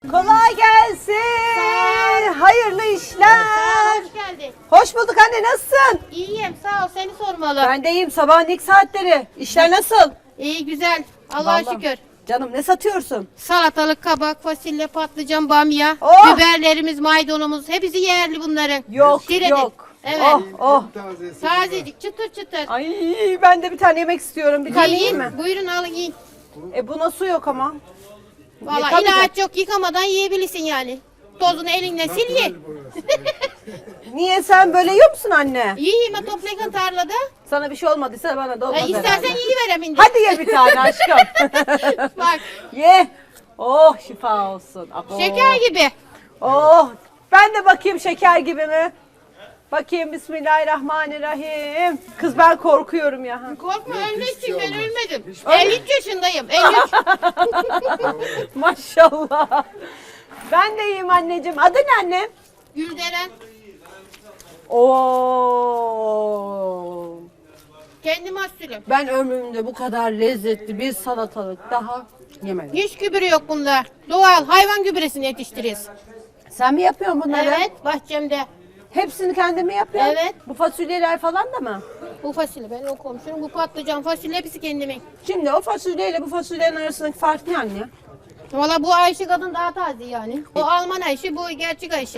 Kolay gelsin. Hayırlı işler. Hoş geldin. Hoş bulduk anne, nasılsın? İyiyim, sağ ol, seni sormalı. Ben de iyiyim, sabahın ilk saatleri. İşler nasıl? İyi, güzel, Allah'a Vallahi. şükür. Canım ne satıyorsun? Salatalık, kabak, fasulye, patlıcan, bamya, Oh! biberlerimiz, maydanozumuz, hepsi yerli bunların. Yok Şirin. yok. Evet. Oh oh. Tazecik, çıtır çıtır. Ay ben de bir tane yemek istiyorum. Bir tane yiyeyim mi? Buyurun alın yiyin. Buna su yok ama. Valla Yıkamayacak. ilaç yok, yıkamadan yiyebilirsin yani. Tozunu elinle sil ye. Niye, sen böyle yiyor musun anne? Yiyeyim ha, toplayın tarlada. Sana bir şey olmadıysa bana da olmaz İstersen herhalde. yiyiverem indi. Hadi ye bir tane aşkım. Bak, Ye. Oh şifa olsun. Abo. şeker gibi. Oh, ben de bakayım şeker gibi mi? Bakayım, bismillahirrahmanirrahim. Kız ben korkuyorum ya. Korkma, ölmezsin, ben ölmedim. 53 yaşındayım, 53. Maşallah. Ben de iyiyim anneciğim. Adı ne annem? Gülderen. Oo. Kendi mahsulüm. Ben ömrümde bu kadar lezzetli bir salatalık daha yemedim. Hiç gübre yok bunda. Doğal hayvan gübresini yetiştiririz. Sen mi yapıyorsun bunları? Evet, bahçemde. Hepsini kendin mi yapıyorsun? Evet. Bu fasulyeler falan da mı? Bu fasulye benim, o komşunun, bu patlıcan fasulye hepsi kendimin. Şimdi o fasulyeyle bu fasulyenin arasındaki fark ne anne? Valla bu Ayşe kadın daha taze yani. O Alman Ayşe, bu gerçek Ayşe.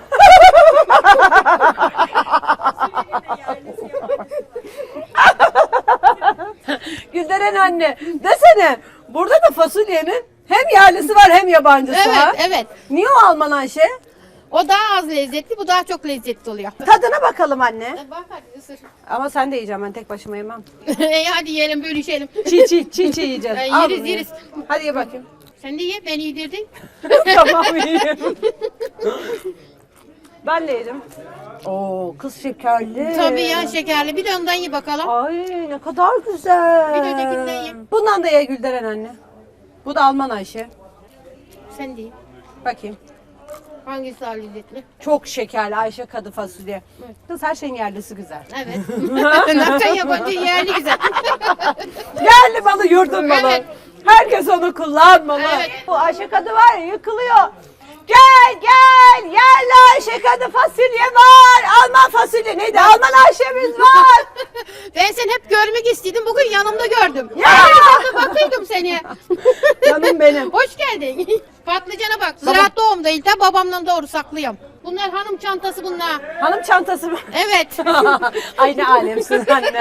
Gülderen anne, desene burada da fasulyenin hem yerlisi var hem yabancısı Evet, var. evet. Niye o Alman Ayşe? O daha az lezzetli, bu daha çok lezzetli oluyor. Tadına bakalım anne. Bak hadi ısır. Ama sen de yiyeceğim, ben tek başıma yemem. Hadi yiyelim, bölüşelim. Çiğ yiyeceğiz. Yeriz, Al bunu ye. yeriz. Hadi ye bakayım. Sen de ye, beni yedirdin. Tamam yiyeyim. Ben de yedim. Oo kız şekerli. Tabii ya, şekerli. Bir de ondan ye bakalım. Ay ne kadar güzel. Bir de ötekinden ye. Bundan da ye Gülderen anne. Bu da Alman Ayşe. Sen de ye. Bakayım. Hangisi daha lezzetli? Çok şekerli Ayşe kadı fasulye. Kız her şeyin yerlisi güzel. Evet. Ne yapacaksın, yabancı yerli güzel. Yerli malı yurdun malı. Evet. Herkes onu kullanmalı. Evet. Bu Ayşe kadı var ya, yıkılıyor. Gel yerli Ayşe kadı fasulye var. Alman fasulye neydi? Alman Ayşe'miz var. Ben seni hep görmek istedim. Bugün yanımda gördüm. Ya! Ben de bakıyordum seni. Canım benim. Hoş geldin. Patlıcana bak. Ziraat doğumdayım. Da babamdan doğru saklıyorum. Bunlar hanım çantası bunlar. Hanım çantası mı? Evet. Aynı alemsin anne.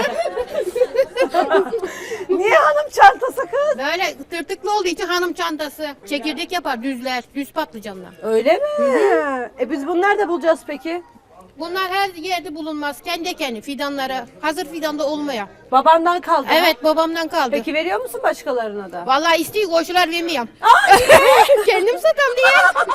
Niye hanım çantası kız? Böyle tırtıklı olduğu için hanım çantası. Çekirdek yapar düzler. Düz patlıcanlar. Öyle mi? Biz bunu nerede bulacağız peki? Bunlar her yerde bulunmaz. Kendi kendi fidanlara. Hazır fidanda olmaya. Babandan kaldı. Evet, babamdan kaldı. Peki veriyor musun başkalarına da? Vallahi istiyor, koşular vermiyorum. Ay! Kendim satam diye.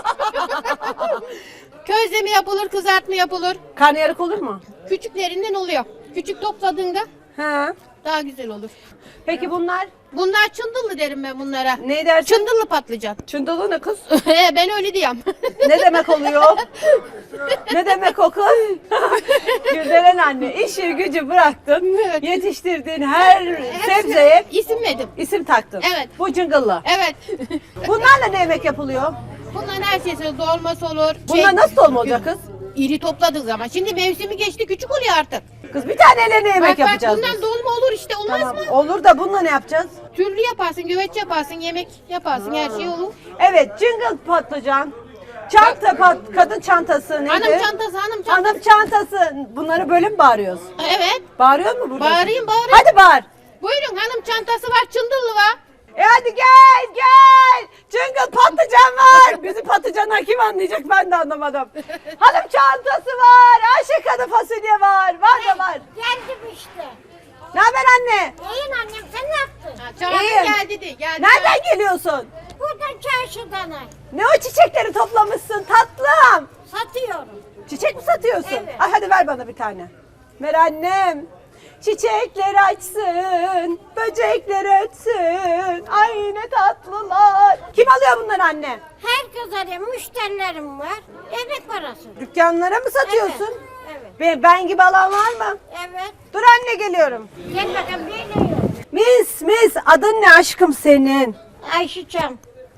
Közleme yapılır, kızartma yapılır. Karnıyarık olur mu? Küçüklerinden oluyor. Küçük topladığında He. daha güzel olur. Peki bunlar Bunlar çındıllı derim ben bunlara. ne dersin? Çındıllı patlıcan. Çındalı ne kız? Ben öyle diyorum. Ne demek oluyor? Ne demek o kız? Gülderen anne, işi gücü bıraktın. Evet. Yetiştirdiğin her sebzeye İsim verdim. isim taktın. Evet. Bu cıngıllı. Evet. Bunlarla ne yemek yapılıyor? Bunların her şeysi dolması olur. Bunlar nasıl dolma olacak kız? İri topladık zaman. Şimdi mevsimi geçti, küçük oluyor artık. Kız bir taneyle ne yemek yapacağız bundan biz? dolma olur işte, olmaz Tamam. mı? Olur da bununla ne yapacağız? Türlü yaparsın, güveç yaparsın, yemek yaparsın, her şey olur. Evet, cıngıl patlıcan. Kadın çantası neydi? Hanım çantası, hanım çantası. Hanım çantası. Bunları böyle mi bağırıyoruz? Evet. Bağırıyor mu burada? Bağırayım. Hadi bağır. Buyurun, hanım çantası var, çındıllı var. Hadi gel. Cıngıl patlıcan var. Bizim patlıcanlar kim anlayacak, ben de anlamadım. Hanım çantası var. Ayşe kadı fasulye var. Var da var. Geldim işte. Ne haber anne? İyiyim annem, sen ne yaptın? Çağırdı, İyiyim. geldi de, geldi. Nereden geliyorsun? Buradan çarşıdan Ne o çiçekleri toplamışsın tatlım? satıyorum. Çiçek mi satıyorsun? Evet. Ay hadi ver bana bir tane. Ver annem. Çiçekler açsın, böcekler ötsün. Ay ne tatlılar. Kim alıyor bunları anne? Herkes arıyor, müşterilerim var. Emek parası. Dükkanlara mı satıyorsun? Evet. Ben gibi alan var mı? Evet. Dur anne geliyorum. Gel bakalım, neyle yiyor? Mis adın ne aşkım senin? Ayşe Çam.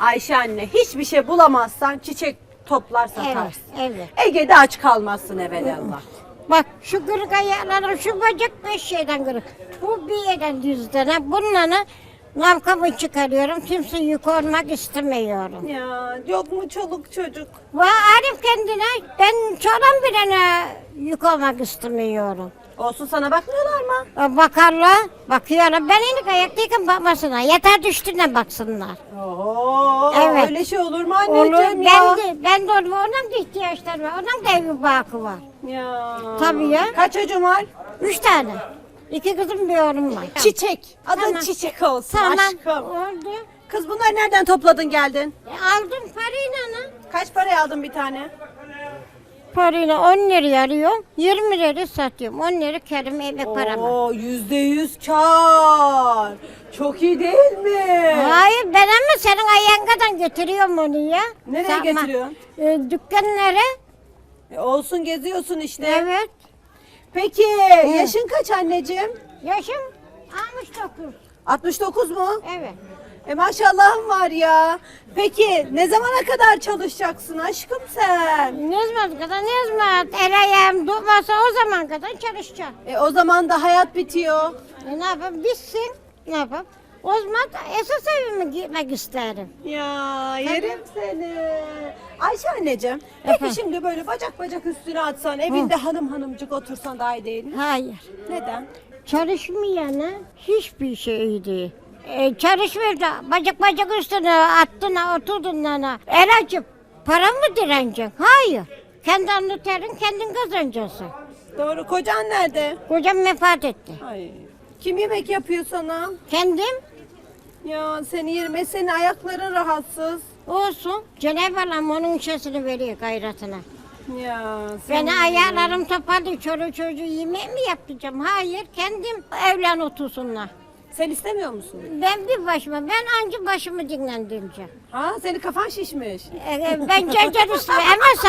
Ayşe anne hiçbir şey bulamazsan çiçek toplar Evet, satarsın. evet. Ege'de aç kalmazsın evelallah. Bak şu kırık ayaklarım, şu bacak 5 yerden kırık. Bu bir yerden düzden. Bunları navkamı çıkarıyorum. Kimse yük olmak istemiyorum. Ya yok mu çoluk çocuk? Ve Arif kendine, ben çoğalan birine yük olmak istemiyorum. Olsun sana bakmıyorlar mı? Bakarlar, bakıyorlar. Ben inik ayaktayken bakmasınlar. Yeter düştüğüne baksınlar. Oo, Evet. öyle şey olur mu Olur, anneciğim ya? ben de onun da ihtiyaçları var. Onun da evi bakı var. Ya. Tabii ya. Kaç çocuğun var? 3 tane. 2 kızım bir oğlum var. Çiçek. Adın Tamam. Çiçek olsun Tamam. aşkım. Oldu. Kız bunları nereden topladın geldin? Aldım parayla. Kaç paraya aldın bir tane? Parayla 10 liraya alıyorum. 20 liraya satıyorum. 10 lira kerim eve paramı. Oo, %100 kar. Çok iyi değil mi? Hayır ben ama senin ayağından getiriyorum onu ya. Nereye getiriyorsun? Dükkanlara. Olsun geziyorsun işte. Evet. Peki yaşın kaç anneciğim? Yaşım 69. 69 mu? Evet. Maşallahım var ya. Peki ne zamana kadar çalışacaksın aşkım sen? Ne zaman kadar ne zaman el ayağım durmasa o zaman kadar çalışacağım. O zaman da hayat bitiyor. Ne yapayım bitsin. Ne yapayım? O zaman da esas evime gitmek isterim. Ya yerim seni. Ayşe anneciğim, peki Efendim? şimdi böyle bacak bacak üstüne atsan, evinde hanım hanımcık otursan daha iyi değil mi? Hayır. Neden? Çalışmayana hiçbir şey iyi değil. Çalışmıyor da bacak bacak üstüne attın oturdun ana. El açıp para mı direneceksin? Hayır. Kendi alnı terin kendin kazanacaksın. Doğru, kocan nerede? Kocam vefat etti. Ay, kim yemek yapıyor sana? Kendim Ya seni yerim, senin ayakların rahatsız. olsun. Cenab-ı Allah onun şeysini veriyor gayretine. Ya Beni ayaklarım toparlı çoluğu çocuğu yemeği mi yapacağım? Hayır kendim evlen otursunlar. Sen istemiyor musun? Ben bir başıma, ben anca başımı dinlendireceğim. Ha, senin kafan şişmiş. Ben çocuk istiyorum ama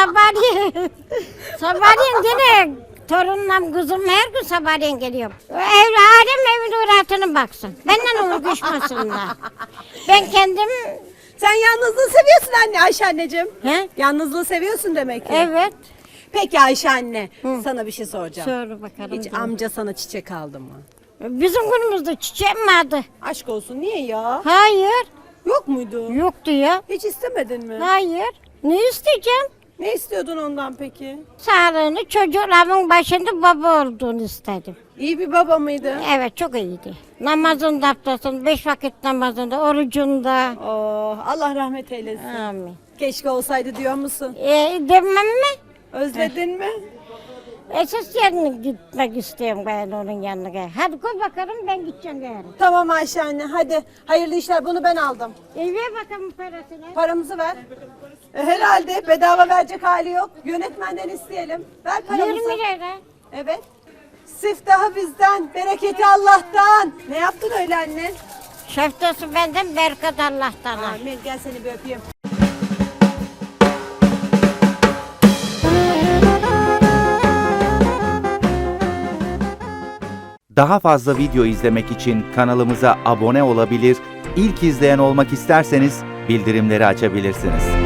sabahleyin yine torunum kızım her gün sabahleyin geliyorum. Evladım evin rahatına baksın. Benden uğraşmasınlar. Ben kendim, Sen yalnızlığı seviyorsun anne, Ayşe anneciğim. he? Yalnızlığı seviyorsun demek ki. Evet. Peki Ayşe anne, sana bir şey soracağım. Söyle bakalım. Hiç amca sana çiçek aldı mı? Bizim günümüzde çiçek mi vardı? Aşk olsun, niye ya? Hayır. Yok muydu? Yoktu ya. Hiç istemedin mi? Hayır. Ne isteyeceğim? Ne istiyordun ondan peki? Sağlığını çocuklarımın başında baba olduğunu istedim. İyi bir baba mıydı? Evet çok iyiydi. Namazında haftasında, 5 vakit namazında, orucunda. Oh, Allah rahmet eylesin. Amin. Keşke olsaydı diyor musun? Demem mi? Özledin mi? Esas yerine gitmek istiyorum ben onun yanına. Hadi koy bakalım ben gideceğim yarın. Tamam Ayşe anne, hadi. Hayırlı işler, bunu ben aldım. Ver bakalım parasını. Paramızı ver. Herhalde bedava verecek hali yok. Yönetmenden isteyelim. Ver paramızı. 20 lira. Evet. Siftahı bizden, bereketi Allah'tan. Ne yaptın öyle anne? Şeftası benden, bereket Allah'tan. Amin. Gel seni bir öpeyim. Daha fazla video izlemek için kanalımıza abone olabilir, ilk izleyen olmak isterseniz bildirimleri açabilirsiniz.